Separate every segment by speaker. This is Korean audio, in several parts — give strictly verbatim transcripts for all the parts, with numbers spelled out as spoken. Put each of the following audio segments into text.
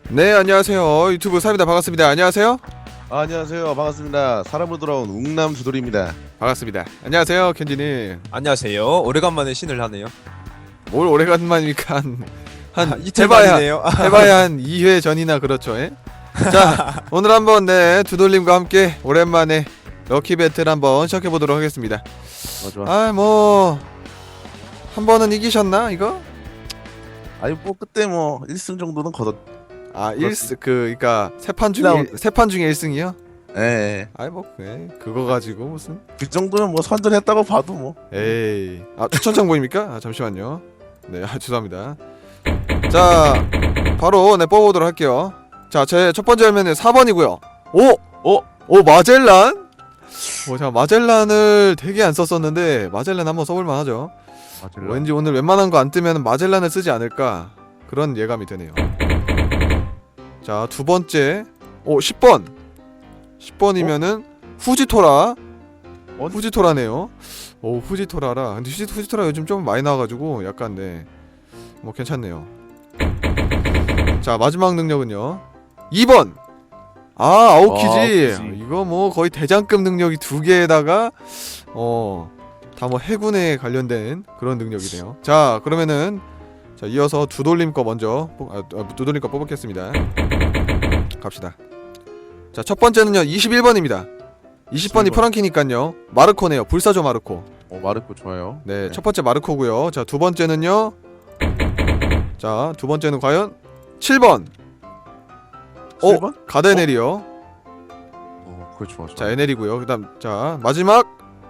Speaker 1: 네, 안녕하세요. 유튜브 사입니다. 반갑습니다. 안녕하세요.
Speaker 2: 아, 안녕하세요. 반갑습니다. 사람으로 돌아온 웅남 두돌입니다.
Speaker 1: 반갑습니다. 안녕하세요, 켄지님.
Speaker 3: 안녕하세요. 오래간만에 신을 하네요.
Speaker 1: 뭘 오래간만이니까 한, 한
Speaker 3: 이틀
Speaker 1: 해봐야,
Speaker 3: 만이네요.
Speaker 1: 해봐야 한 이 회 전이나 그렇죠. 예? 자, 오늘 한번 네 두돌님과 함께 오랜만에 럭키 배틀 한번 시작해 보도록 하겠습니다.
Speaker 2: 어, 좋아.
Speaker 1: 아, 뭐 한 번은 이기셨나 이거?
Speaker 2: 아니 뭐 그때 뭐 일 승 정도는 거뒀.
Speaker 1: 아, 일 승 그 그러니까 세 판 중에
Speaker 2: 라운드.
Speaker 1: 세 판 중에 일 승이요?
Speaker 2: 예, 예.
Speaker 1: 아이 뭐 예, 그거 가지고 무슨?
Speaker 2: 그 정도면 뭐 선전했다고 봐도 뭐.
Speaker 1: 에이, 아 추천장 보입니까? 아, 잠시만요. 네, 아, 죄송합니다. 자, 바로 네 뽑아보도록 할게요. 자, 제 첫 번째 화면은 사 번이고요. 오,
Speaker 2: 오,
Speaker 1: 오 마젤란? 오, 자 마젤란을 되게 안 썼었는데 마젤란 한번 써볼만 하죠.
Speaker 2: 아,
Speaker 1: 왠지 오늘 웬만한 거 안 뜨면 마젤란을 쓰지 않을까 그런 예감이 드네요. 자, 두 번째, 오 십 번, 십 번이면은 후지토라.
Speaker 2: 어?
Speaker 1: 후지토라네요. 오, 후지토라라. 근데 후지, 후지토라 요즘 좀 많이 나와가지고 약간 네, 뭐 괜찮네요. 자, 마지막 능력은요 이 번. 아, 아오키지.
Speaker 2: 아, 아오키지.
Speaker 1: 이거 뭐 거의 대장급 능력이 두 개에다가 어, 다 뭐 해군에 관련된 그런 능력이네요. 자, 그러면은 자, 이어서 두돌림 거 먼저 뽑, 아, 아, 두돌림 거 뽑겠습니다. 갑시다. 자, 첫 번째는요 이십일 번입니다. 이십 번이 프랑키니깐요. 마르코네요. 불사조 마르코.
Speaker 2: 어, 마르코 좋아요.
Speaker 1: 네, 첫 번째 마르코고요. 자, 두 번째는요. 자, 두 번째는 과연 칠 번.
Speaker 2: 칠 번?
Speaker 1: 어, 가데넬이요.
Speaker 2: 어, 그거 좋아. 좋아.
Speaker 1: 자, 에넬이고요. 그다음 자, 마지막.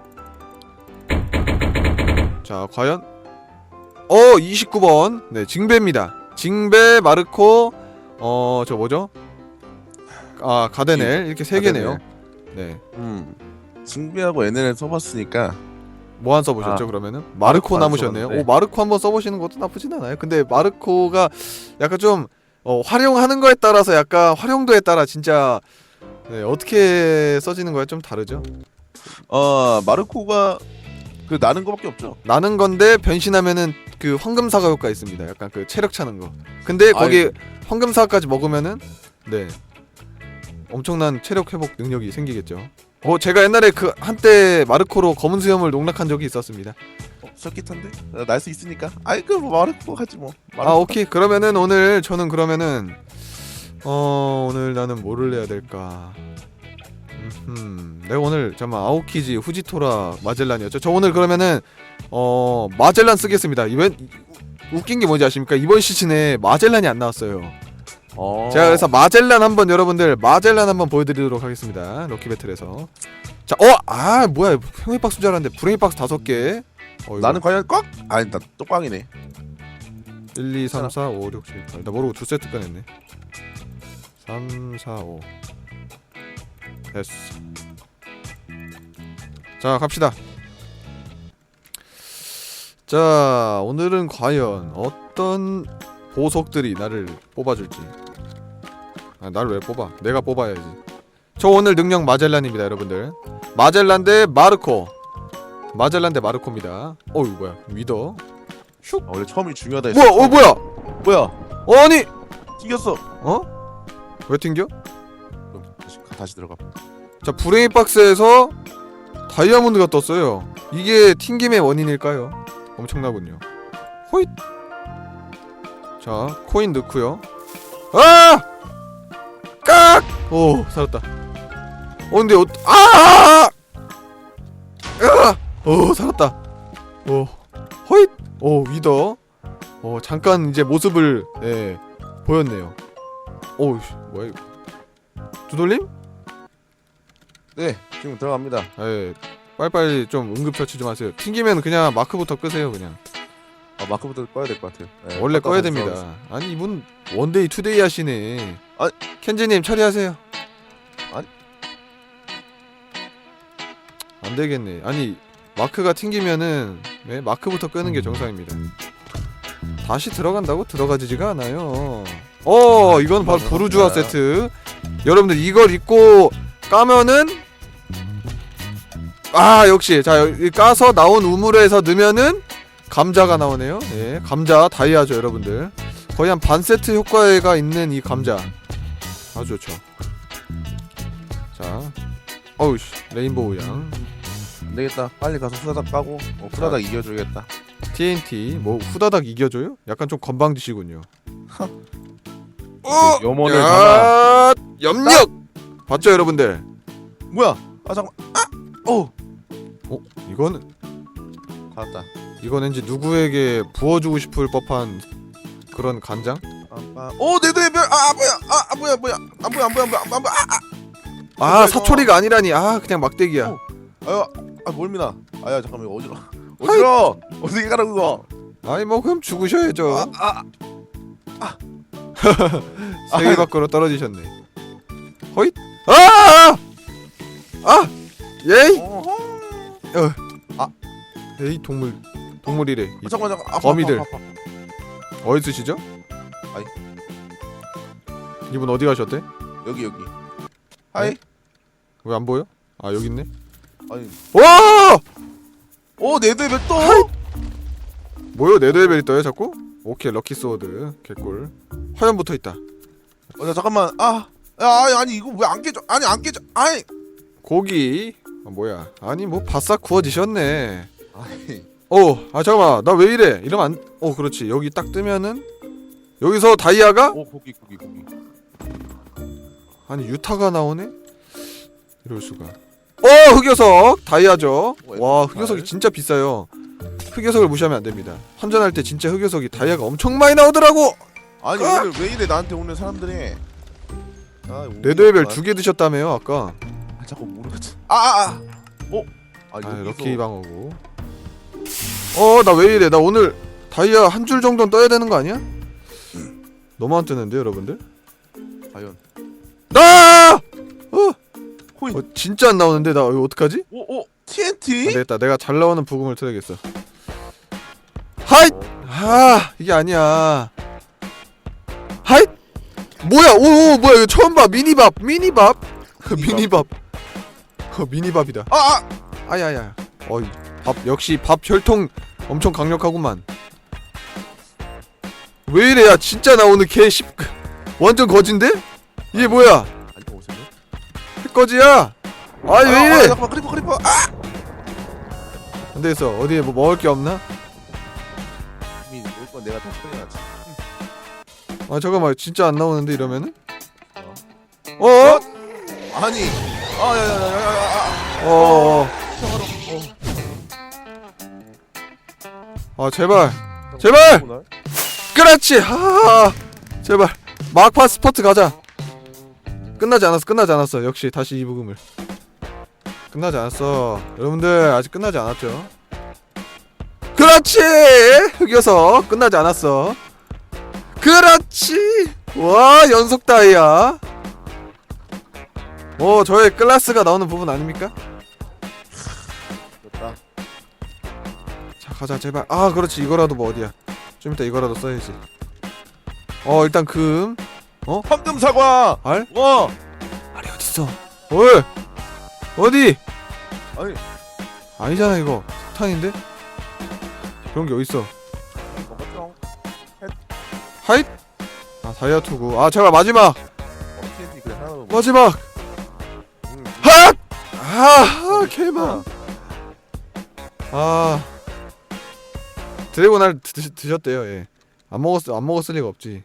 Speaker 1: 자, 과연 어, 이십구 번. 네, 징베입니다. 징베, 마르코, 어, 저 뭐죠? 아, 가데넬. 이렇게 세 개네요. 네.
Speaker 2: 음. 징비하고 엔엘을 써봤으니까.
Speaker 1: 뭐 안 써보셨죠?
Speaker 2: 아,
Speaker 1: 그러면은 마르코
Speaker 2: 마르코 안
Speaker 1: 남으셨네요.
Speaker 2: 써봤는데.
Speaker 1: 오, 마르코 한번 써보시는 것도 나쁘진 않아요. 근데 마르코가 약간 좀 어, 활용하는 거에 따라서 약간 활용도에 따라 진짜 네, 어떻게 써지는 거에 좀 다르죠.
Speaker 2: 어, 마르코가 그 나는 거밖에 없죠.
Speaker 1: 나는 건데 변신하면은 그 황금사과 효과 있습니다. 약간 그 체력 차는 거. 근데 거기
Speaker 2: 아이고.
Speaker 1: 황금사과까지 먹으면은 네 엄청난 체력 회복 능력이 생기겠죠. 어, 제가 옛날에 그 한때 마르코로 검은 수염을 농락한 적이 있었습니다.
Speaker 2: 어, 설깃한데? 날 수 있으니까. 아이 그뭐 마르코 하지 뭐. 마르코.
Speaker 1: 아, 오케이. 그러면은 오늘 저는 그러면은 어 오늘 나는 뭐를 해야 될까? 음, 내가 오늘 잠깐 아오키지, 후지토라, 마젤란이었죠. 저 오늘 그러면은 어 마젤란 쓰겠습니다. 이번 웃긴 게 뭔지 아십니까? 이번 시즌에 마젤란이 안 나왔어요.
Speaker 2: 어.
Speaker 1: 제가 그래서 마젤란 한번 여러분들 마젤란 한번 보여드리도록 하겠습니다. 럭키 배틀에서. 자, 어, 아 뭐야? 평이 박스 줄 알았는데 브레이 박스 다섯 개. 어, 이거
Speaker 2: 나는 과연 꽉? 아니 나 똑꽝이네.
Speaker 1: 일, 이, 삼, 사, 오, 육, 칠, 팔. 나 모르고 두 세트 꺼냈네. 삼, 사, 오. 됐어. 자, 갑시다. 자, 오늘은 과연 어떤 보석들이 나를 뽑아줄지. 아, 나를 왜 뽑아? 내가 뽑아야지. 저 오늘 능력 마젤란입니다, 여러분들. 마젤란 대 마르코. 마젤란 대 마르코입니다. 어이, 뭐야? 위더. 슉.
Speaker 2: 아, 원래 처음이 중요하다 했어.
Speaker 1: 뭐야? 어, 뭐야?
Speaker 2: 뭐야?
Speaker 1: 어, 아니!
Speaker 2: 튕겼어.
Speaker 1: 어? 왜 튕겨?
Speaker 2: 그럼 다시 다시 들어가.
Speaker 1: 자, 브레인 박스에서 다이아몬드가 떴어요. 이게 튕김의 원인일까요? 엄청나군요. 호잇. 자, 코인 넣고요. 아! 깍! 오, 살았다. 어, 근데 어, 아! 아! 오, 살았다. 오, 호잇. 오, 위더. 어, 잠깐 이제 모습을 예, 보였네요. 오, 뭐야 이거? 두돌림?
Speaker 2: 네, 지금 들어갑니다.
Speaker 1: 예, 빨리빨리 좀 응급처치 좀 하세요. 튕기면 그냥 마크부터 끄세요. 그냥
Speaker 2: 아, 마크부터 꺼야 될 것 같아요. 네,
Speaker 1: 원래
Speaker 2: 껐다
Speaker 1: 꺼야
Speaker 2: 다시
Speaker 1: 됩니다.
Speaker 2: 들어가겠습니다.
Speaker 1: 아니 이분 원데이 투데이 하시네.
Speaker 2: 아,
Speaker 1: 켄지님 처리하세요.
Speaker 2: 아니.
Speaker 1: 안 되겠네. 아니 마크가 튕기면은 네, 마크부터 끄는 게 정상입니다. 다시 들어간다고 들어가지지가 않아요. 어, 이건 바로 부르주아 세트. 여러분들 이걸 입고 까면은 아, 역시 자 여기 까서 나온 우물에서 넣으면은 감자가 나오네요. 예, 감자 다이아죠, 여러분들. 거의 한 반 세트 효과가 있는 이 감자 아주 좋죠. 자, 어우씨 레인보우 양
Speaker 2: 안 되겠다. 빨리 가서 후다닥 까고 어, 후다닥 이겨줘야겠다.
Speaker 1: 티엔티 뭐 후다닥 이겨줘요? 약간 좀 건방지시군요. 어!
Speaker 2: 염원을 담아.
Speaker 1: 야, 염력 봤죠 여러분들?
Speaker 2: 뭐야? 아 잠깐. 아! 어.
Speaker 1: 어? 이거는
Speaker 2: 받았다.
Speaker 1: 이건 왠지 누구에게 부어주고 싶을 법한 그런 간장?
Speaker 2: 아, 오, 내 뇌별. 아, 뭐야? 아, 아, 뭐야, 뭐야? 안 보여, 안 보여, 안 보여, 안 보여. 아,
Speaker 1: 아
Speaker 2: 이거.
Speaker 1: 사초리가 아니라니. 아 그냥 막대기야.
Speaker 2: 어. 아유, 아, 멀미나. 아야, 잠깐만, 이거 어지러. 어지러. 어떻게 가라고 이거?
Speaker 1: 아니 뭐 그럼 죽으셔야죠.
Speaker 2: 아, 아,
Speaker 1: 세계 밖으로 떨어지셨네. 허잇. 아! 아! 예이!
Speaker 2: 어허.
Speaker 1: 에이 동물 동물이래. 이
Speaker 2: 아, 잠깐만, 잠깐.
Speaker 1: 거미들.
Speaker 2: 아파, 아파, 아파.
Speaker 1: 어디 쓰시죠?
Speaker 2: 아이.
Speaker 1: 이분 어디 가셨대?
Speaker 2: 여기 여기. 하이.
Speaker 1: 왜 안 보여? 아 여기 있네.
Speaker 2: 아니.
Speaker 1: 와!
Speaker 2: 오, 내 뇌별 또.
Speaker 1: 뭐요? 네드레벨이 떠요 자꾸? 오케이 럭키 소드 개꿀. 화염 붙어 있다.
Speaker 2: 어, 나 잠깐만. 아, 야, 아니, 아니 이거 왜 안 깨져? 아니 안 깨져. 아니.
Speaker 1: 고기. 아, 뭐야? 아니 뭐 바싹 구워지셨네.
Speaker 2: 아니.
Speaker 1: 어, 아 잠깐만, 나 왜 이래? 이러면 안, 어 그렇지. 여기 딱 뜨면은 여기서 다이아가
Speaker 2: 오, 고기, 고기, 고기.
Speaker 1: 아니 유타가 나오네? 이럴 수가. 어 흑요석 다이아죠. 와 흑요석이 진짜 비싸요. 흑요석을 무시하면 안 됩니다. 환전할 때 진짜 흑요석이 다이아가 엄청 많이 나오더라고.
Speaker 2: 아니
Speaker 1: 아!
Speaker 2: 오늘 왜 이래 나한테 오는 사람들이. 아,
Speaker 1: 레드벨 두 개 드셨다며요 아까.
Speaker 2: 아, 자꾸 모르겠지. 아, 아, 아. 어? 아,
Speaker 1: 아
Speaker 2: 여기서-
Speaker 1: 럭키 방어구. 어 나 왜 이래? 나 오늘 다이아 한 줄 정도는 떠야 되는 거 아니야? 너무 안 뜨는데 여러분들?
Speaker 2: 과연.
Speaker 1: 나! 어,
Speaker 2: 코인.
Speaker 1: 어 진짜 안 나오는데 나 이거 어떡하지?
Speaker 2: 오, 오.
Speaker 1: 안
Speaker 2: 티엔티?
Speaker 1: 되겠다. 내가 잘 나오는 부금을 틀어야겠어. 하이! 아 이게 아니야. 하이! 뭐야? 오, 오 뭐야? 이거 처음 봐. 미니밥, 미니밥, 미니밥. 어, 미니밥이다.
Speaker 2: 아, 아.
Speaker 1: 아야야. 어이 밥 역시 밥 혈통 엄청 강력하구만. 왜 이래? 야 진짜 나 오늘 개 십 완전 거진데? 이게 뭐야?
Speaker 2: 아니, 오세요.
Speaker 1: 해거지야? 아니 왜
Speaker 2: 아,
Speaker 1: 이래?
Speaker 2: 잠깐만. 크리퍼, 크리퍼. 아!
Speaker 1: 안 되겠어. 어디에 뭐 먹을 게 없나?
Speaker 2: 이미 먹을 건 내가 다 처리해야지.
Speaker 1: 아 잠깐만 진짜 안 나오는데 이러면은?
Speaker 2: 어?
Speaker 1: 어?
Speaker 2: 아니. 아, 야, 야, 야, 야, 야, 야.
Speaker 1: 어. 아 제발 제발
Speaker 2: 오늘?
Speaker 1: 그렇지. 하 제발 막판 스퍼트 가자. 끝나지 않았어 끝나지 않았어. 역시 다시 이 부금을. 끝나지 않았어 여러분들. 아직 끝나지 않았죠. 그렇지. 흑여서 끝나지 않았어. 그렇지. 와 연속 다이아. 어 저의 클라스가 나오는 부분 아닙니까?
Speaker 2: 됐다.
Speaker 1: 자 가자 제발. 아 그렇지. 이거라도 뭐 어디야. 좀 이따 이거라도 써야지. 어 일단 금.
Speaker 2: 황금 사과.
Speaker 1: 알?
Speaker 2: 와.
Speaker 1: 알이 어딨어? 어이 어디?
Speaker 2: 아니.
Speaker 1: 아니잖아 이거 석탄인데? 그런 게 어딨어.
Speaker 2: 먹었죠.
Speaker 1: 하잇! 아 다이아 투구. 아 제발 마지막!
Speaker 2: 어, 티엔티 그래 하나 더.
Speaker 1: 마지막!
Speaker 2: 음.
Speaker 1: 핫! 아 개만. 아 드래곤 알 드, 드셨대요. 예. 안 먹었 안 먹었을 리가 없지.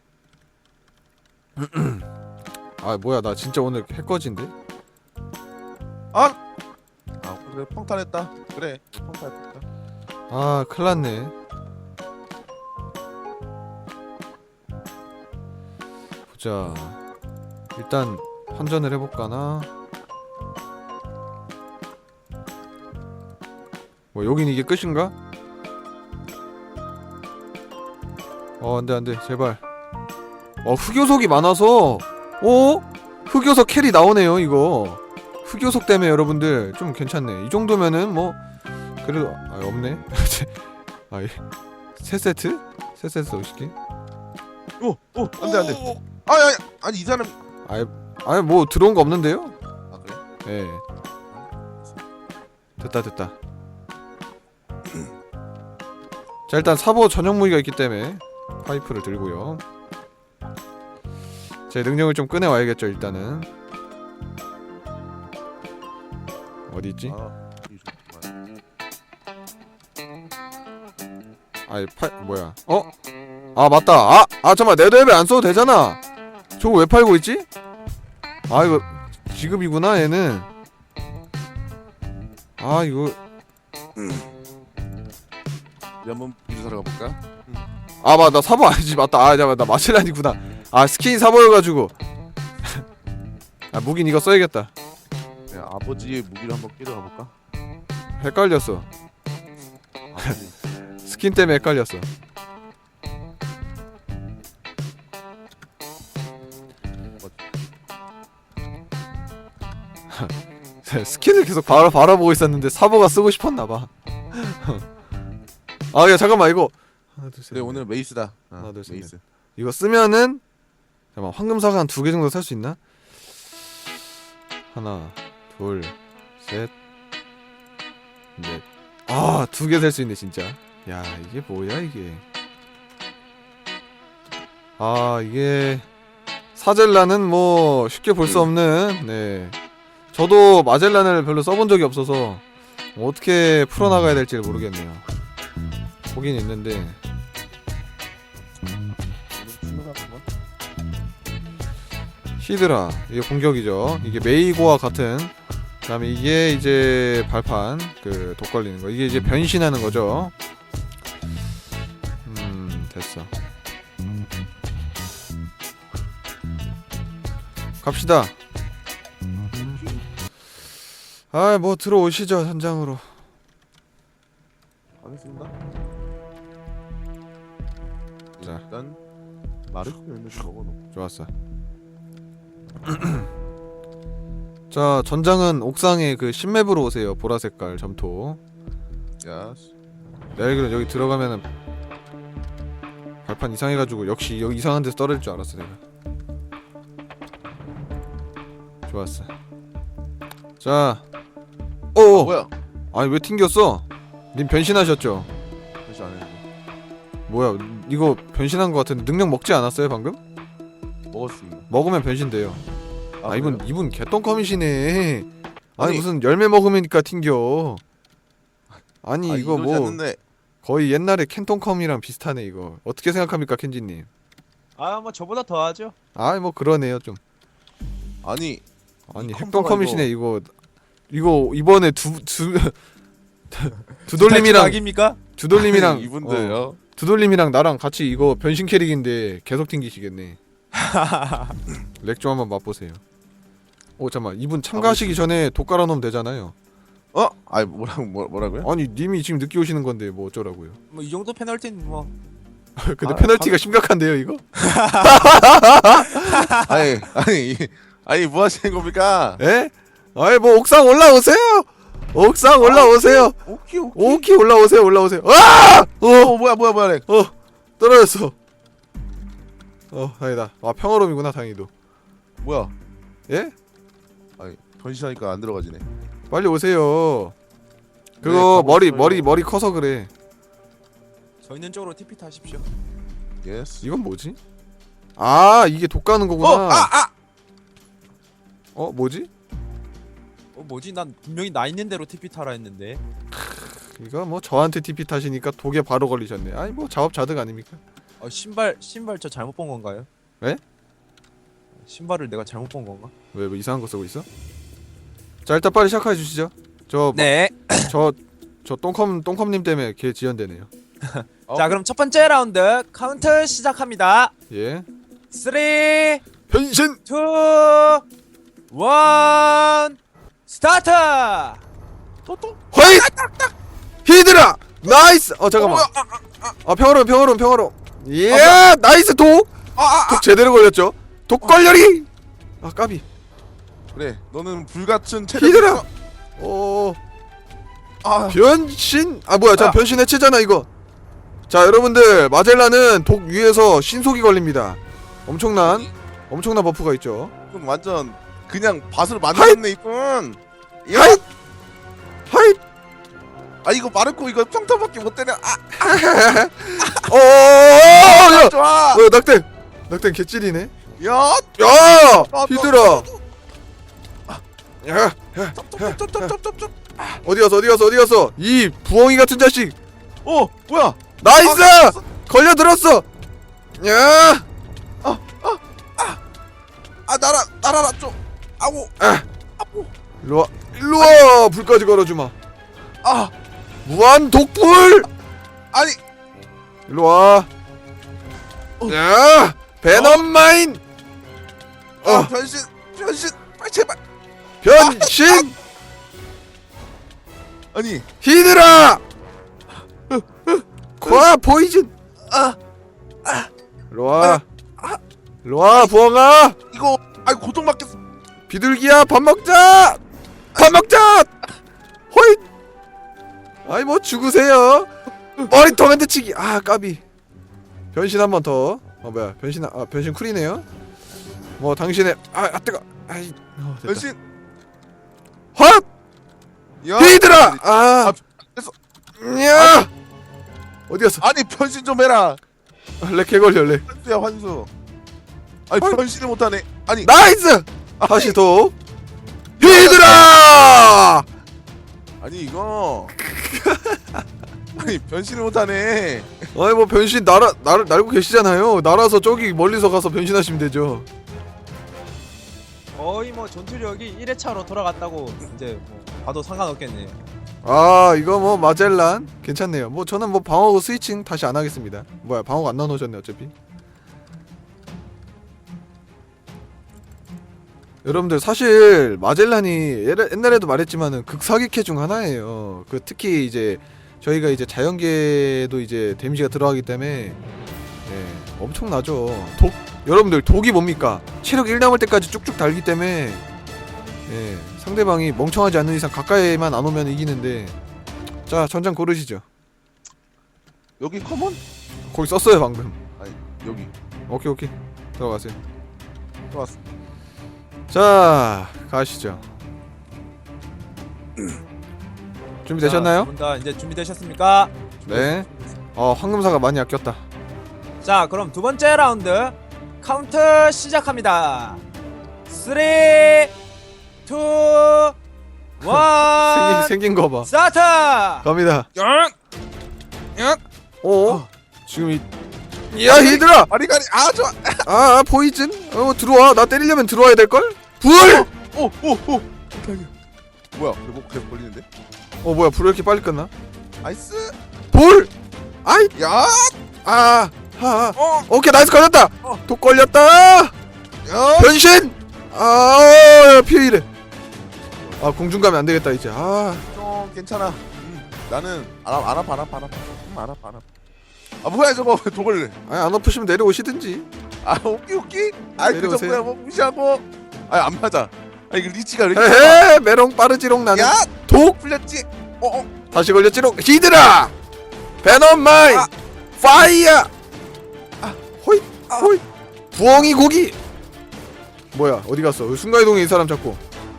Speaker 1: 아 뭐야 나 진짜 오늘 해꺼진데?
Speaker 2: 아. 아, 그래 평탄했다. 그래. 평탄했다.
Speaker 1: 아 큰일났네. 보자. 일단 환전을 해볼까나. 뭐 여긴 이게 끝인가? 어 안돼 안돼 제발. 어 흑요석이 많아서 어? 흑요석 캐리 나오네요 이거. 흑요석 때문에 여러분들 좀 괜찮네. 이 정도면은 뭐 그래도 아 없네. 아이 세 세트? 세 세트 오시기?
Speaker 2: 오, 오, 안돼 안돼. 아, 야, 야, 아니 이 사람.
Speaker 1: 아이 아니 뭐 들어온 거 없는데요?
Speaker 2: 아 그래?
Speaker 1: 예. 됐다 됐다. 자 일단 사보 전용 무기가 있기 때문에 파이프를 들고요. 제 능력을 좀 꺼내 와야겠죠. 일단은 어디 있지?
Speaker 2: 아, 이 좋구만.
Speaker 1: 아이 파 뭐야? 어? 아 맞다. 아, 아 잠깐만 네더앱에 안 써도 되잖아. 저거 왜 팔고 있지? 아 이거 지급이구나 얘는. 아 이거
Speaker 2: 우리 한번 비주 사러 가볼까?
Speaker 1: 아 맞다 나 사보 아니지 맞다. 아 잠깐만 나 마젤란이구나. 아 스킨 사보여가지고. 아 무긴 이거 써야겠다.
Speaker 2: 야, 아버지의 무기를 한번 끼러 가볼까?
Speaker 1: 헷갈렸어.
Speaker 2: 아버지.
Speaker 1: 스킨 때문에 헷갈렸어. 스킨을 계속 바라 바라보고 있었는데 사보가 쓰고 싶었나봐. 아 야 잠깐만 이거 하나 둘 셋.
Speaker 2: 그래 오늘 메이스다. 어,
Speaker 1: 하나, 둘, 셋,
Speaker 2: 메이스.
Speaker 1: 이거 쓰면은 잠깐만 황금사과 한 두 개 정도 살 수 있나? 하나 둘 셋 넷. 아 두 개 살 수 있네 진짜. 야 이게 뭐야 이게. 아 이게 사젤란은 뭐 쉽게 볼 수 없는. 네 저도 마젤란을 별로 써본 적이 없어서 어떻게 풀어나가야 될지 모르겠네요. 보긴 있는데
Speaker 2: 오늘 충분하구만.
Speaker 1: 히드라 이게 공격이죠. 이게 메이고와 같은. 그다음에 이게 이제 발판 그 독 걸리는 거. 이게 이제 변신하는 거죠. 음 됐어. 갑시다. 아 뭐 들어오시죠 현장으로.
Speaker 2: 알겠습니다.
Speaker 1: 자.
Speaker 2: 일단 마르크 열매 좀 먹어놓고.
Speaker 1: 좋았어. 자 전장은 옥상에 그 신맵으로 오세요. 보라색깔 점토.
Speaker 2: 야,
Speaker 1: 내가 알기로 여기 들어가면은 발판 이상해가지고 역시 여기 이상한 데서 떨어질 줄 알았어 내가. 좋았어. 자
Speaker 2: 아,
Speaker 1: 오
Speaker 2: 뭐야?
Speaker 1: 아니 왜 튕겼어? 님 변신하셨죠?
Speaker 2: 다시 안 해.
Speaker 1: 뭐야 이거 변신한 거 같은데 능력 먹지 않았어요 방금?
Speaker 2: 먹었습니다.
Speaker 1: 먹으면 변신돼요. 아, 이분
Speaker 2: 그래요?
Speaker 1: 이분 개똥컴이시네. 아니,
Speaker 2: 아니,
Speaker 1: 무슨 열매 먹으니까 튕겨. 아니
Speaker 2: 아,
Speaker 1: 이거
Speaker 2: 이러지
Speaker 1: 뭐
Speaker 2: 않는데.
Speaker 1: 거의 옛날에 캔통컴이랑 비슷하네 이거. 어떻게 생각합니까 켄지님?
Speaker 3: 아 뭐 저보다 더 하죠.
Speaker 1: 아 뭐 그러네요 좀.
Speaker 2: 아니
Speaker 1: 아니
Speaker 2: 이
Speaker 1: 핵똥컴이시네
Speaker 2: 컴퓨터가
Speaker 1: 이거. 이거 이번에 두두 두돌림이랑
Speaker 3: 악입니까?
Speaker 1: 두돌림이랑
Speaker 2: 아니, 이분들요.
Speaker 1: 어, 두돌림이랑 나랑 같이 이거 변신 캐릭인데 계속 튕기시겠네. 렉 좀 한번 맛보세요. 오 잠만 이분 참가하시기 전에 독 깔아놓으면 되잖아요.
Speaker 2: 어? 아니 뭐라고 뭐, 뭐라고요?
Speaker 1: 아니 님이 지금 늦게 오시는 건데 뭐 어쩌라고요.
Speaker 3: 뭐 이 정도 페널티는 뭐
Speaker 1: 근데
Speaker 2: 아,
Speaker 1: 페널티가
Speaker 2: 방-
Speaker 1: 심각한데요 이거?
Speaker 2: 아니 아니 이- 아니 뭐 하시는 겁니까?
Speaker 1: 에? 아이 뭐 옥상 올라오세요. 옥상 올라오세요.
Speaker 2: 오케이 오케이.
Speaker 1: 오키 올라오세요 올라오세요. 아! 어!
Speaker 2: 어 뭐야 뭐야 뭐야. 렉.
Speaker 1: 어! 떨어졌어. 어 다행이다. 아 평화로움이구나 다행히도.
Speaker 2: 뭐야?
Speaker 1: 예?
Speaker 2: 아니 변신하니까 안 들어가지네.
Speaker 1: 빨리 오세요.
Speaker 2: 네,
Speaker 1: 그거
Speaker 2: 가고
Speaker 1: 머리
Speaker 2: 있어요.
Speaker 1: 머리 머리 커서 그래.
Speaker 3: 저 있는 쪽으로 티피 타십시오.
Speaker 2: 예스.
Speaker 1: 이건 뭐지? 아 이게 독 가는 거구나.
Speaker 2: 어! 아! 아!
Speaker 1: 어 뭐지?
Speaker 3: 어 뭐지? 난 분명히 나 있는 대로 티피 타라 했는데.
Speaker 1: 이거 뭐 저한테 티피 타시니까 독에 바로 걸리셨네. 아니 뭐 자업자득 아닙니까?
Speaker 3: 어 신발 신발 저 잘못 본 건가요?
Speaker 1: 왜?
Speaker 3: 신발을 내가 잘못 본 건가?
Speaker 1: 왜 뭐 이상한 거 쓰고 있어? 자 일단 빨리 시작해 주시죠. 저
Speaker 3: 네.
Speaker 1: 저 저 똥컴 똥컴님 때문에 걔 지연되네요.
Speaker 2: 어?
Speaker 3: 자 그럼 첫 번째 라운드 카운트 시작합니다.
Speaker 1: 예.
Speaker 3: 쓰리,
Speaker 1: 변신.
Speaker 3: 투, 원, 스타트!
Speaker 2: 또또?
Speaker 1: 허이! 히드라! 나이스! 어 잠깐만. 아 평화로움 평화로움 평화로움. 예! 나이스 독! 독 제대로 걸렸죠? 독 걸려리! 아 까비.
Speaker 2: 그래 너는 불같은 체력.
Speaker 1: 히드라! 오
Speaker 2: 아
Speaker 1: 변신! 아 뭐야 자
Speaker 2: 아.
Speaker 1: 변신 해체잖아 이거. 자 여러분들 마젤란은 독 위에서 신속이 걸립니다. 엄청난 엄청난 버프가 있죠.
Speaker 2: 이건 완전 그냥 밭을 만들었네 이분. 야!
Speaker 1: 하잇! 하잇!
Speaker 2: 아 이거 마르코 이거 평타밖에 못 때려. 아
Speaker 1: 어어어야
Speaker 2: 좋아.
Speaker 1: 어 낙댕 낙댕 개찔이네.
Speaker 2: 야.
Speaker 1: 야
Speaker 2: 아,
Speaker 1: 히드라. 야
Speaker 2: 쩝쩝쩝쩝쩝쩝.
Speaker 1: 어디 갔어 어디 갔어 어디 갔어 이 부엉이 같은 자식.
Speaker 2: 어 뭐야?
Speaker 1: 나이스
Speaker 2: 아,
Speaker 1: 걸려 들었어. 야
Speaker 2: 아 날아 날아라 좀. 아우.
Speaker 1: 아.
Speaker 2: 아우.
Speaker 1: 일로와 일로와 불까지 걸어주마.
Speaker 2: 아
Speaker 1: 무한 독불.
Speaker 2: 아니.
Speaker 1: 일로와.
Speaker 2: 어.
Speaker 1: 야 베넘 마인.
Speaker 2: 어
Speaker 1: 어
Speaker 2: 변신 변신. 빨리 제발.
Speaker 1: 변신
Speaker 2: 아니.
Speaker 1: 히드라. 과 포이즌.
Speaker 2: 아
Speaker 1: 일로와 일로와 부엉아.
Speaker 2: 이거 아이 고통 받겠어.
Speaker 1: 비둘기야 밥 먹자 밥 먹자. 호잇. 아이 뭐 죽으세요. 머리 토멘트 치기. 아 까비. 변신 한 번 더. 어 뭐야 변신 아 변신 쿨이네요. 뭐 당신의 아, 아 뜨거. 아이 어, 됐다.
Speaker 2: 변신.
Speaker 1: 헛
Speaker 2: 야.
Speaker 1: 히드라. 아
Speaker 2: 아, 됐어.
Speaker 1: 야 어디 갔어.
Speaker 2: 아니 변신 좀 해라.
Speaker 1: 렉 개걸려 렉.
Speaker 2: 환수야 환수. 아니
Speaker 1: 아이.
Speaker 2: 변신을 못하네. 아니
Speaker 1: 나이스. 다시 도 히드라.
Speaker 2: 아니 이거 아니 변신을 못하네.
Speaker 1: 아니 뭐 변신 날아 날 날고 계시잖아요. 날아서 저기 멀리서 가서 변신하시면 되죠.
Speaker 3: 거의 뭐 전투력이 일 회차로 돌아갔다고 이제 뭐 봐도 상관없겠네요.
Speaker 1: 아 이거 뭐 마젤란 괜찮네요. 뭐 저는 뭐 방어구 스위칭 다시 안 하겠습니다. 뭐야 방어구 안 넣어놓으셨네 어차피. 여러분들 사실 마젤란이 예래- 옛날에도 말했지만은 극사기캐 중 하나예요. 그 특히 이제 저희가 이제 자연계도 이제 데미지가 들어가기 때문에 예, 엄청나죠. 독 여러분들 독이 뭡니까? 체력 일 남을 때까지 쭉쭉 달기 때문에 예, 상대방이 멍청하지 않는 이상 가까이만 안 오면 이기는데. 자 전장 고르시죠.
Speaker 2: 여기 커먼?
Speaker 1: 거기 썼어요 방금.
Speaker 2: 아니 여기
Speaker 1: 오케이 오케이 들어가세요.
Speaker 2: 좋았어.
Speaker 1: 자 가시죠. 준비되셨나요?
Speaker 3: 두분다 이제 준비되셨습니까?
Speaker 1: 네. 어 황금사가 많이 아꼈다.
Speaker 3: 자, 그럼 두 번째 라운드 카운트 시작합니다. 쓰리, 투,
Speaker 1: 생긴
Speaker 3: 원,
Speaker 1: 생긴 거 봐.
Speaker 3: 스타트!
Speaker 1: 갑니다.
Speaker 2: 야! 야!
Speaker 1: 어? 지금 이. 야 히드라.
Speaker 2: 아리가리 아 좋아.
Speaker 1: 아, 아 포이즌. 어 들어와. 나 때리려면 들어와야 될 걸. 불.
Speaker 2: 오오오. 뭐야? 계속 계속 걸리는데?
Speaker 1: 어 뭐야 불 왜 이렇게 빨리 끝나?
Speaker 2: 나이스.
Speaker 1: 불. 아이.
Speaker 2: 야!
Speaker 1: 아. 하.
Speaker 2: 어!
Speaker 1: 오케이 나이스 걸렸다.
Speaker 2: 어.
Speaker 1: 독 걸렸다.
Speaker 2: 야!
Speaker 1: 변신. 아 피해이래. 아 공중 가면 안 되겠다 이제. 아.
Speaker 2: 좀 괜찮아. 음, 나는 안, 아- 안 아파 안 아파 안 아파. 음, 안 아파 안 아파. 아 뭐야 저거 독을.
Speaker 1: 아니 안 아프시면 내려오시든지.
Speaker 2: 아 오키 오키. 아이 그
Speaker 1: 내려오세요.
Speaker 2: 정도야 뭐 무시하고. 아니 안 맞아. 아 이거 리치가 왜 이렇게
Speaker 1: 헤헤 메롱 빠르지롱 나는.
Speaker 2: 야!
Speaker 1: 독.
Speaker 2: 풀렸지? 어어.
Speaker 1: 다시 걸렸지롱. 히드라. 베놈 마인.
Speaker 2: 아.
Speaker 1: 파이어. 아 호잇
Speaker 2: 아.
Speaker 1: 호잇. 부엉이 고기. 뭐야 어디 갔어? 순간이동에 이 사람 잡고.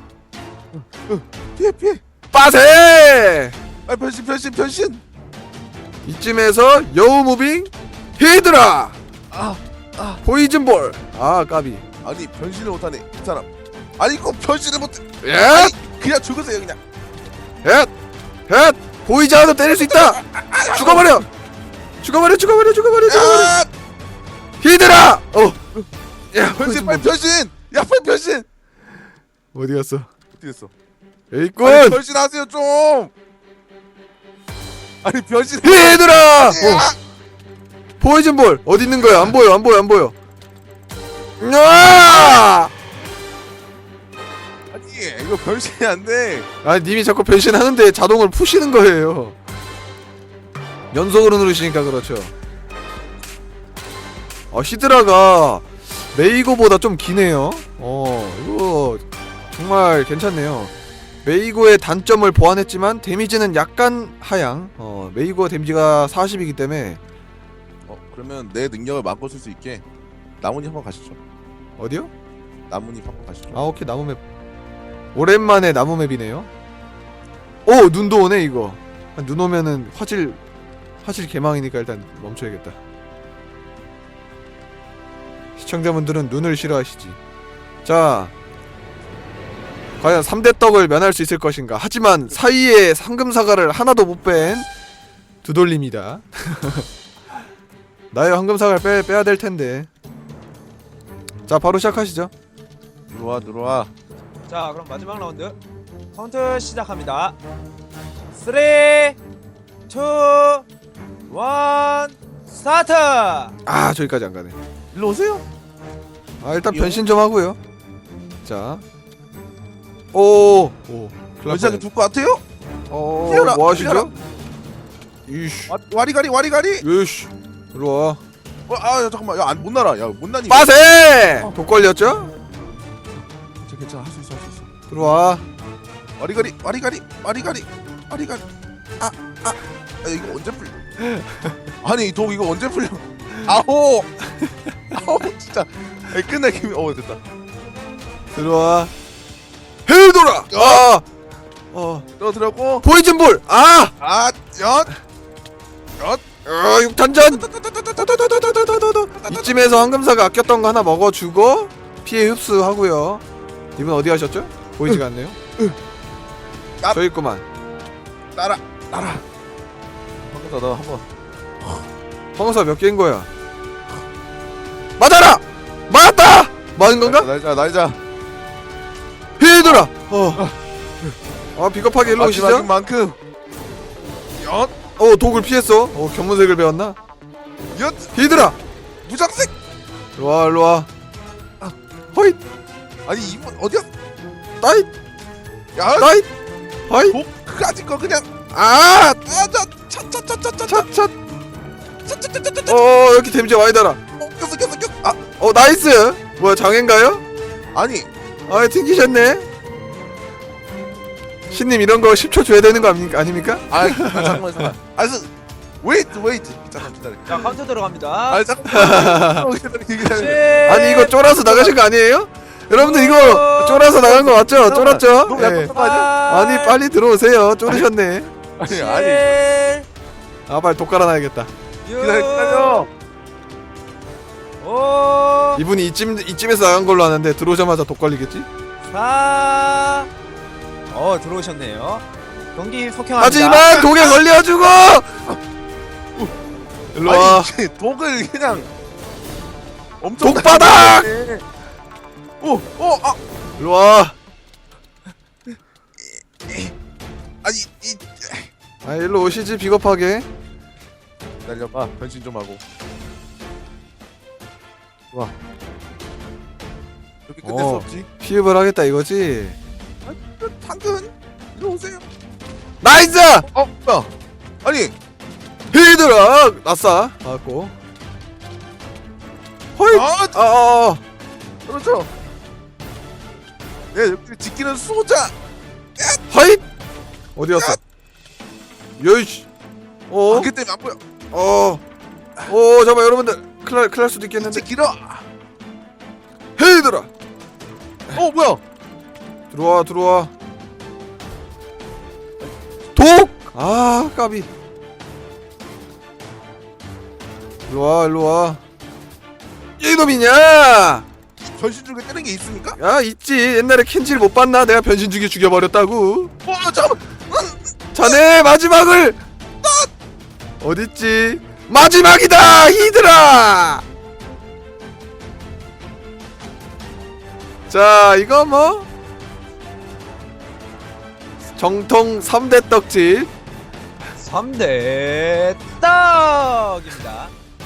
Speaker 2: 피해 피해.
Speaker 1: 빠세.
Speaker 2: 아 변신 변신 변신.
Speaker 1: 이쯤에서 여우 무빙 히드라.
Speaker 2: 아 아.
Speaker 1: 포이즌볼. 아 까비.
Speaker 2: 아니 변신을 못하네 이 사람. 아니 이거 변신을 못해.
Speaker 1: 예.
Speaker 2: 아니 그냥 죽으세요 그냥.
Speaker 1: 헷. 헷. 보이지 않아도 때릴 수 있다. 죽어버려. 죽어버려 죽어버려 죽어버려 죽어버려.
Speaker 2: 야!
Speaker 1: 히드라. 어. 야
Speaker 2: 변신
Speaker 1: 포이즌볼.
Speaker 2: 빨리 변신. 야 빨리 변신.
Speaker 1: 어디 갔어?
Speaker 2: 어떻게 됐어?
Speaker 1: 에이꾼.
Speaker 2: 아니 변신하세요 좀. 아니 변신.
Speaker 1: 히드라. 어.
Speaker 2: 야!
Speaker 1: 포이즌볼 어디 있는 거야? 안 보여 안 보여 안 보여. 아!
Speaker 2: 아니 이거 변신이 안 돼.
Speaker 1: 아 님이 자꾸 변신하는데 자동으로 푸시는 거예요. 연속으로 누르시니까 그렇죠. 어 히드라가 메이고보다 좀 기네요. 어 이거 정말 괜찮네요. 메이고의 단점을 보완했지만 데미지는 약간 하향. 어 메이고 데미지가 사십이기 때문에.
Speaker 2: 어 그러면 내 능력을 바꿔 쓸 수 있게 나뭇잎 한번 가시죠.
Speaker 1: 어디요?
Speaker 2: 나뭇잎 한번 가시죠.
Speaker 1: 아 오케이 나무맵. 오랜만에 나무맵이네요. 오 눈도 오네 이거. 눈 오면은 화질 화질 개망이니까 일단 멈춰야겠다. 시청자분들은 눈을 싫어하시지. 자, 과연 삼대 떡을 면할 수 있을 것인가. 하지만 사이에 황금사과를 하나도 못 뺀 두돌림이다. 나의 황금사과를 빼, 빼야 될 텐데. 자, 바로 시작하시죠.
Speaker 2: 들어와 들어와.
Speaker 3: 자, 그럼 마지막 라운드 카운트 시작합니다. 삼, 이, 일, 스타트!
Speaker 1: 아, 저기까지 안 가네.
Speaker 2: 일로 오세요.
Speaker 1: 아, 일단
Speaker 2: 이요?
Speaker 1: 변신 좀 하고요. 자, 오, 오, 큰일 날
Speaker 2: 변신하게
Speaker 1: 뻔했네.
Speaker 2: 둘 것 같아요?
Speaker 1: 어,
Speaker 2: 뛰어라,
Speaker 1: 뭐 하시죠?
Speaker 2: 뛰어라.
Speaker 1: 이씨,
Speaker 2: 와, 와리가리 와리가리.
Speaker 1: 이씨, 일로 와.
Speaker 2: 어, 아 야, 잠깐만. 야안 못 날아. 야못 나니.
Speaker 1: 빠세!
Speaker 2: 어.
Speaker 1: 독 걸렸죠?
Speaker 2: 괜찮아 괜찮아 할 수 있어 할 수 있어.
Speaker 1: 들어와.
Speaker 2: 와리가리 와리가리 와리가리 와리가리. 아아 아, 아, 이거 언제 풀려? 아니 이 독 이거 언제 풀려? 아호. 아호 진짜. 아니, 끝내 김이. 어 됐다.
Speaker 1: 들어와. 헤이돌아! 아! 어,
Speaker 2: 떨어뜨렸고.
Speaker 1: 포이즌볼! 아!
Speaker 2: 아 엿. 엿.
Speaker 1: 어, 육탄전! 이쯤에서 황금사가 아꼈던 거 하나 먹어주고 피해 흡수하고요. 이분 어디 가셨죠? 보이지가 않네요.
Speaker 2: 아.
Speaker 1: 저기 있구만.
Speaker 2: 날아 날아. 방금 나 한번.
Speaker 1: 황금사 몇 개인 거야? 맞아라! 맞았다! 맞은 건가?
Speaker 2: 날자 날자.
Speaker 1: 헤이돌아! 어. 아, 비겁하게 일로 오시죠?
Speaker 2: 마지막인 만큼. 엿.
Speaker 1: 어, 독을 피했어. 어, 견문색을 배웠나?
Speaker 2: 엿.
Speaker 1: 히드라!
Speaker 2: 무장색.
Speaker 1: 일로와, 일로와.
Speaker 2: 아.
Speaker 1: 허잇!
Speaker 2: 아니 이분 어디야?
Speaker 1: 따잇!
Speaker 2: 야.
Speaker 1: 따잇! 허잇!
Speaker 2: 독 가진 거 그냥.
Speaker 1: 아!
Speaker 2: 아자 차차차차차.
Speaker 1: 찻찻!
Speaker 2: 차차차차차.
Speaker 1: 어, 이렇게 데미지 많이 달아.
Speaker 2: 어 꼈어 꼈어 꼈어. 아
Speaker 1: 어, 나이스! 뭐야, 장애인가요?
Speaker 2: 아니.
Speaker 1: 아, 튕기셨네? 신님, 이런 거 십 초 줘야 되는 거 아닙니까? 아닙니까?
Speaker 2: 아 잠깐만 잠깐만. 아 그, 웨이트 웨이트. 잠깐 기다려.
Speaker 3: 자, 카운트 들어갑니다.
Speaker 2: 아 잠깐만. 기다려 기다려.
Speaker 1: 아니, 이거 쫄아서 나가신 거 아니에요? 여러분들, 이거 쫄아서 나간 거 맞죠? 쫄았죠?
Speaker 2: 너무
Speaker 1: 예.
Speaker 2: 약간 거 아니야?
Speaker 1: 아니, 빨리 들어오세요. 쫄으셨네.
Speaker 2: 아니 아니.
Speaker 1: 아, 빨리 독 깔아놔야겠다.
Speaker 2: 기다려 기다려.
Speaker 3: 오,
Speaker 1: 이분이 이쯤, 이쯤에서 나간 걸로 아는데 들어오자마자 독 걸리겠지?
Speaker 3: 사. 어, 들어오셨네요. 경기 속행합니다.
Speaker 1: 하지만 독에 걸려주고! 일로와.
Speaker 2: 아니 이게 독을 그냥 엄청.
Speaker 1: 독바닥!
Speaker 2: 오오아
Speaker 1: 일로와.
Speaker 2: 아니 이
Speaker 1: 아, 일로 오시지, 비겁하게.
Speaker 2: 기다려봐. 변신 좀 하고. 와. 이렇게 끝낼 수
Speaker 1: 어.
Speaker 2: 없지.
Speaker 1: 피흡을 하겠다 이거지?
Speaker 2: 당근 이리 오세요.
Speaker 1: 나이스!
Speaker 2: 어 뭐야? 아니
Speaker 1: 히드라! 아싸. 맞고. 허이!
Speaker 2: 아
Speaker 1: 아, 아, 아.
Speaker 2: 그렇죠. 네 여기 지키는 수호자.
Speaker 1: 허이! 어디 갔어? 요이씨. 어?
Speaker 2: 안개 때문에 안 보여.
Speaker 1: 어. 어, 잠깐만, 여러분들. 큰일, 날- 큰일 날 수도 있겠는데.
Speaker 2: 진짜 길어.
Speaker 1: 히드라!
Speaker 2: 어 뭐야?
Speaker 1: 들어와, 들어와. 독! 아, 까비. 일로와, 일로와. 이놈이냐!
Speaker 2: 변신 중에 뜨는 게 있습니까?
Speaker 1: 야, 있지. 옛날에 켄지를 못 봤나? 내가 변신 중에 죽여버렸다고.
Speaker 2: 어 잠깐만.
Speaker 1: 자네 마지막을 어딨지? 마지막이다! 히드라! 자, 이거 뭐 정통 삼 대 떡집.
Speaker 3: 삼 대 떡입니다.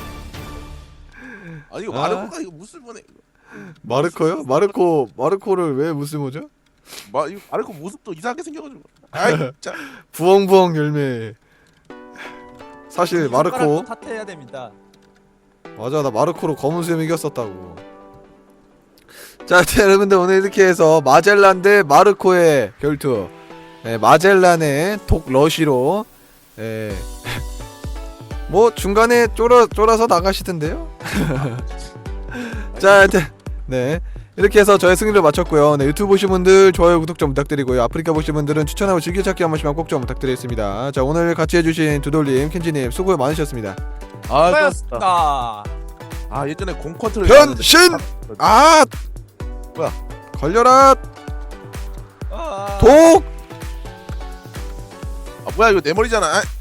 Speaker 2: 아니 이거
Speaker 1: 아.
Speaker 2: 마르코가 이거 무슬보네.
Speaker 1: 마르코요? 마르코 마르코를 왜 무슬모죠?
Speaker 2: 마 이거 마르코 모습도 이상하게 생겨가지고. 아이 진짜.
Speaker 1: 부엉부엉 열매. 사실 마르코
Speaker 3: 탓해야 됩니다.
Speaker 1: 맞아, 나 마르코로 검은 수염 이겼었다고. 자, 자, 여러분들 오늘 이렇게 해서 마젤란 대 마르코의 결투. 예, 마젤란의 독 러시로. 예. 뭐 중간에 쫄아 쫄아서 나가시던데요. 자, 하여튼 네, 이렇게 해서 저의 승리를 마쳤고요. 네, 유튜브 보신 분들 좋아요 구독 좀 부탁드리고요. 아프리카 보신 분들은 추천하고 즐겨찾기 한 번씩만 꼭 좀 부탁드리겠습니다. 자, 오늘 같이 해주신 두돌님, 켄지님 수고 많으셨습니다.
Speaker 2: 아, 좋았다.
Speaker 3: 수고하셨습니다.
Speaker 2: 아 예전에 공컨트를
Speaker 1: 변신! 아!
Speaker 2: 뭐야?
Speaker 1: 걸려라!
Speaker 3: 아.
Speaker 1: 독!
Speaker 2: 아 뭐야 이거 내 머리잖아. 아,